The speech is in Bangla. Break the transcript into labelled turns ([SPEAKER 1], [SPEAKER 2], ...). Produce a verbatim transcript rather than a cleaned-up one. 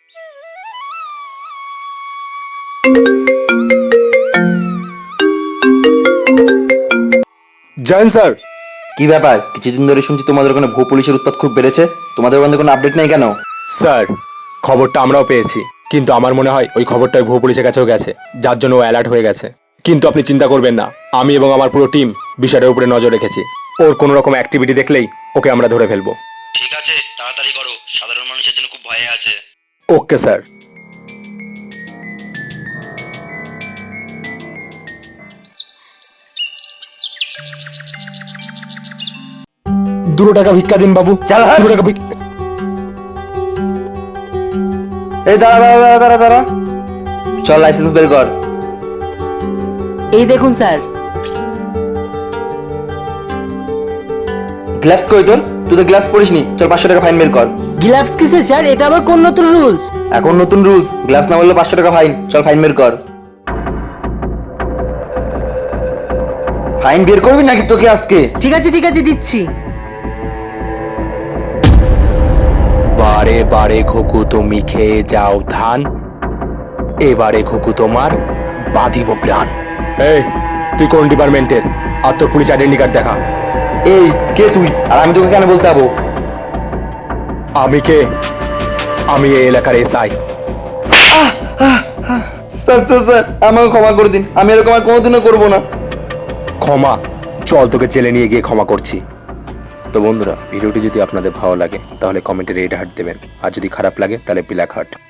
[SPEAKER 1] Join sir.
[SPEAKER 2] কি ব্যাপার? কিছুদিন ধরে শুনছি তোমাদের ওখানে ভূ পুলিশের উৎপাত খুব বেড়েছে। তোমাদের ওখানে কোনো আপডেট নেই কেন?
[SPEAKER 1] স্যার, খবরটা আমরাও পেয়েছি, কিন্তু আমার মনে হয় ওই খবরটা ভূ পুলিশের কাছেও গেছে, যার জন্য ও অ্যালার্ট হয়ে গেছে। কিন্তু আপনি চিন্তা করবেন না, আমি এবং আমার পুরো টিম বিষয়টার উপরে নজর রেখেছি। ওর কোনো রকম অ্যাক্টিভিটি দেখলেই ওকে আমরা ধরে ফেলবো।
[SPEAKER 2] ঠিক আছে, তাড়াতাড়ি করো, সাধারণ মানুষের জন্য খুব ভয়ে আছে।
[SPEAKER 1] Okay sir. দুটো টাকা ভিক্ষা দিন বাবু।
[SPEAKER 2] চাল হাট।
[SPEAKER 1] দুটো টাকা ভিক্ষা।
[SPEAKER 2] এই দাঁড়া দাঁড়া দাঁড়া দাঁড়া দাঁড়া, চল লাইসেন্স বের কর।
[SPEAKER 3] এই দেখুন স্যার।
[SPEAKER 2] গ্লাভস কই তোর? তুই তো গ্লাভস পরিসনি, চল পাঁচশো টাকা ফাইন বের কর।
[SPEAKER 3] গ্লাভস কিসে স্যার? এটা আবার কোন নতুন রুলস?
[SPEAKER 2] এখন নতুন রুলস, গ্লাভস না বললে পাঁচশো টাকা ফাইন। চল ফাইন বের কর। ফাইন বের করবি নাকি তোকে আজকে?
[SPEAKER 3] ঠিক আছে ঠিক আছে দিচ্ছি।
[SPEAKER 1] বারে বারে খোকু তুমি খেয়ে যাও ধান, এবারে খোকু তোমার বাঁধিব প্রাণ। এই, তুই কোন ডিপার্টমেন্টের? আর তোর পুলিশ আইডেন্টি কার্ড দেখা।
[SPEAKER 2] এই কে তুই, আর আমি তোকে কেন বলতে যাবো?
[SPEAKER 1] আমি কে? আমি এই এলাকার এসআই।
[SPEAKER 2] স্যার স্যার স্যার, আমাকে ক্ষমা করে দিন, আমি এরকম আর কোনোদিনও করবো না।
[SPEAKER 1] ক্ষমা? চল তোকে জেলে নিয়ে গিয়ে ক্ষমা করছি। তো বন্ধুরা, ভিডিওটি যদি আপনাদের ভালো লাগে তাহলে কমেন্টে রেড হার্ট দেবেন, আর যদি খারাপ লাগে তাহলে ব্ল্যাক হার্ট।